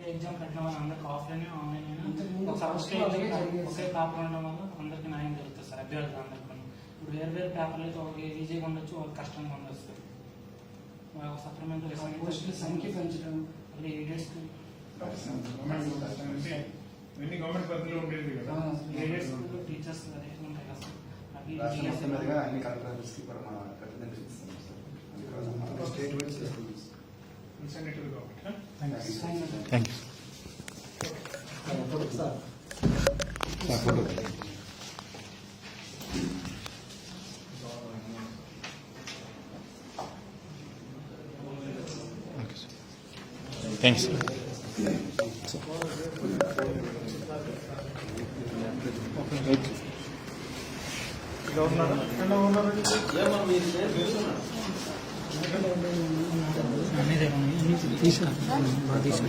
Exam పెట్టడం వల్ల అందరికి ఆఫ్లైన్ ఆన్లైన్ ఒకే పేపర్ ఉండడం వల్ల అందరికి న్యాయం జరుగుతుంది సార్. అభ్యర్థులు అందరికీ ఇప్పుడు వేరు వేరు పేపర్లు అయితే ఒక ఈజీగా ఉండొచ్చు, ఒక కష్టంగా ఉండొచ్చు. సప్లిమెంటరీ సంఖ్య పెంచడం మళ్ళీ ఎయిడెడ్స్కి గవర్నమెంట్ పరిధిలో ఉండేది కదా, ఎయిడెడ్స్ టీచర్స్ అదే ఉంటాయి కదా సార్. అవి అన్ని కలెక్టర్స్కి కూడా మన రిప్రజెంటేషన్ ఇస్తాం సార్. స్టేట్ వైడ్ చేస్తాం. Thank you sir. థ్యాంక్స్ అన్నీ తీసుకున్నాను.